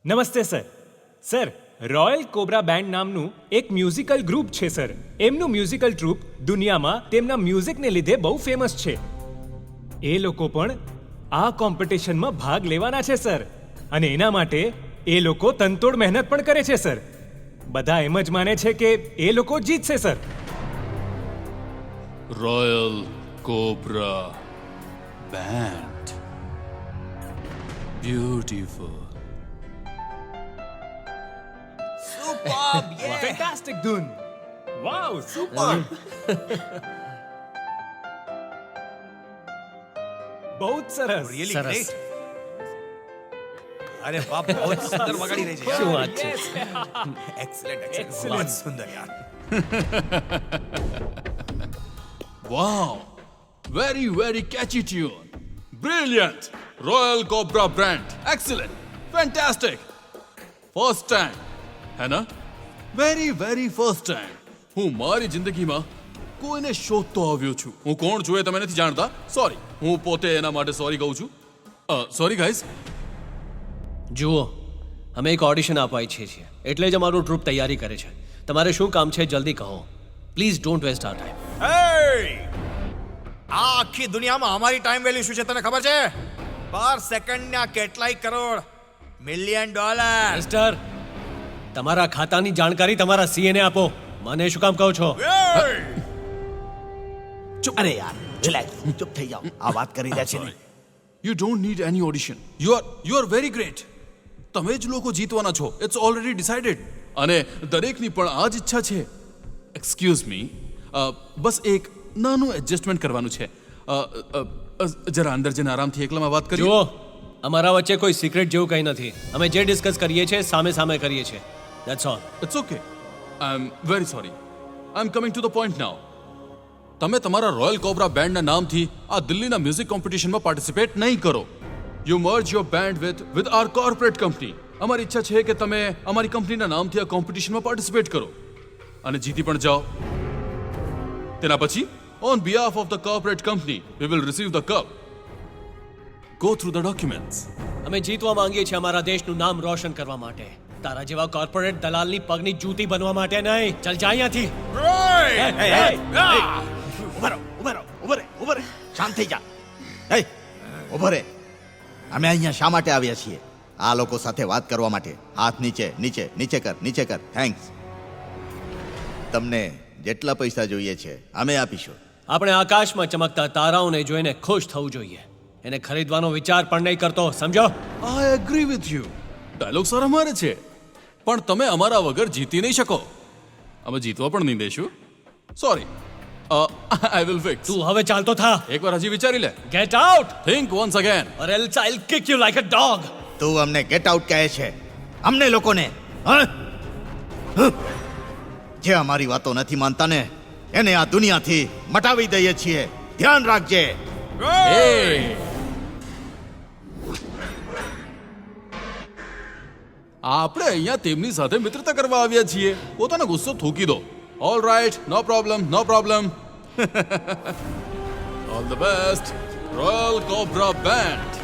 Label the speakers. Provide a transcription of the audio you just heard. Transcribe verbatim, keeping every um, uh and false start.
Speaker 1: નમસ્તે sir. Sir, Royal Cobra Band નામનું એક મ્યુઝિકલ ગ્રુપ છે સર. એમનું મ્યુઝિકલ ટ્રુપ દુનિયામાં તેમના મ્યુઝિકને લીધે બહુ ફેમસ છે. એ લોકો પણ આ કોમ્પિટિશનમાં ભાગ લેવાના છે સર. અને એના માટે એ લોકો તનતોડ મહેનત પણ કરે છે સર. બધા એમ જ માને છે કે એ લોકો જીતશે sir.
Speaker 2: Royal Cobra Band. Beautiful.
Speaker 3: Superb, yeah.
Speaker 1: Fantastic ધૂન. Wow, super. બહુ જ સરસ.
Speaker 3: Really
Speaker 4: સરસ.
Speaker 3: great. અરે વાહ, બહુ જ સુંદર વગાડી રહી છે.
Speaker 4: શું વાત છે?
Speaker 3: Excellent, excellent.
Speaker 1: Excellent.
Speaker 3: બહુ જ સુંદર યાર.
Speaker 2: Wow, very very catchy tune. Brilliant. Royal Cobra brand. Excellent. Fantastic. First time હે ના? વેરી વેરી ફર્સ્ટ ટાઈમ હું મારી જિંદગીમાં કોઈને શોધતો આવ્યો છું. હું કોણ છું એ તમે નથી જાણતા. સોરી, હું પોતે એના માટે સોરી કહું છું. Sorry guys.
Speaker 4: જુઓ, અમે એક ઓડિશન આપવા ઈચ્છીએ છીએ, એટલે જ અમારું ટ્રુપ તૈયારી કરે છે. તમારે શું કામ છે જલ્દી કહો. Please don't waste our time.
Speaker 3: Hey! આ આખી દુનિયામાં અમારી ટાઈમ વેલ્યુ શું છે તને ખબર છે? પર સેકન્ડના કેટલાય કરોડ, મિલિયન ડોલર.
Speaker 4: મિસ્ટર, તમારા ખાતાની જાણકારી તમારા સીએ ને આપો. મને શું કામ કહો છો?
Speaker 5: અરે યાર રિલેક્સ, ચૂપ થઈ જાઓ. આ વાત કરી રહ્યા છે ને.
Speaker 2: You don't need any audition. You are you are very great. તમે જ લોકો જીતવાના છો. It's already decided. અને દરેકની પણ આ જ ઈચ્છા છે. એક્સક્યુઝ મી, બસ એક નાનું એડજસ્ટમેન્ટ કરવાનું છે. અ, અ, અ, જરા અંદર જઈને આરામથી એકલામાં વાત કરીએ.
Speaker 4: જુઓ, અમારા વચ્ચે કોઈ સિક્રેટ જેવું કંઈ નથી. અમે જે ડિસ્કસ કરીએ છીએ સામે સામે કરીએ છીએ. That's all.
Speaker 2: It's okay. I am very sorry. I am coming to the point now. તમે તમારા રોયલ કોબ્રા બેન્ડના નામથી આ દિલ્હીના મ્યુઝિક કોમ્પિટિશનમાં પાર્ટિસિપેટ નહીં કરો. You merge your band with with our corporate company. અમારી ઈચ્છા છે કે તમે અમારી કંપનીના નામથી આ કોમ્પિટિશનમાં પાર્ટિસિપેટ કરો અને જીતી પણ જાઓ. તેના પછી on behalf of the corporate company we will receive the cup. Go through the documents.
Speaker 4: અમે જીતવા માંગીએ છીએ અમારા દેશનું નામ રોશન કરવા માટે. તારા જેવા કોર્પોરેટ દલાલની પગની જૂતી બનવા માટે નહીં. ચલ જા અહીંયાથી.
Speaker 5: ઉભા રહો, ઉભા રહો, ઉભા રહે, ઉભા રહે. શાંત થઈ જા. હે, ઉભો રહે. અમે અહીંયા શા માટે આવ્યા છીએ? આ લોકો સાથે વાત કરવા માટે. હાથ નીચે, નીચે, નીચે કર, નીચે કર. થેન્ક્સ. તમને જેટલા પૈસા જોઈએ છે અમે આપીશું.
Speaker 4: આપણે આકાશમાં ચમકતા તારાઓને જોઈને ખુશ થવું જોઈએ. એને ખરીદવાનો વિચાર પણ નહીં કરતો, સમજો?
Speaker 2: I agree with you. Dialogue સારા મારે છે, પણ તમે અમારા વગર જીતી નહીં શકો. અમે જીતવા પણ નહીં દેશું. સોરી. I will fix.
Speaker 4: તું હવે ચાલતો થા.
Speaker 2: એકવાર હજી વિચારી લે.
Speaker 4: Get out
Speaker 2: think once again.
Speaker 4: or else I'll kick you like a dog.
Speaker 5: તું અમને ગેટ આઉટ કહે છે? અમને લોકોને હા? હ? જે અમારી વાતો નથી માનતા ને એને આ દુનિયાથી મટાવી દઈએ છીએ. ધ્યાન રાખજે.
Speaker 2: આપણે અહીંયા તેમની સાથે મિત્રતા કરવા આવ્યા છીએ. પોતાનો ગુસ્સો થૂકી દો. All right, no problem, no problem. All the best Royal Cobra band.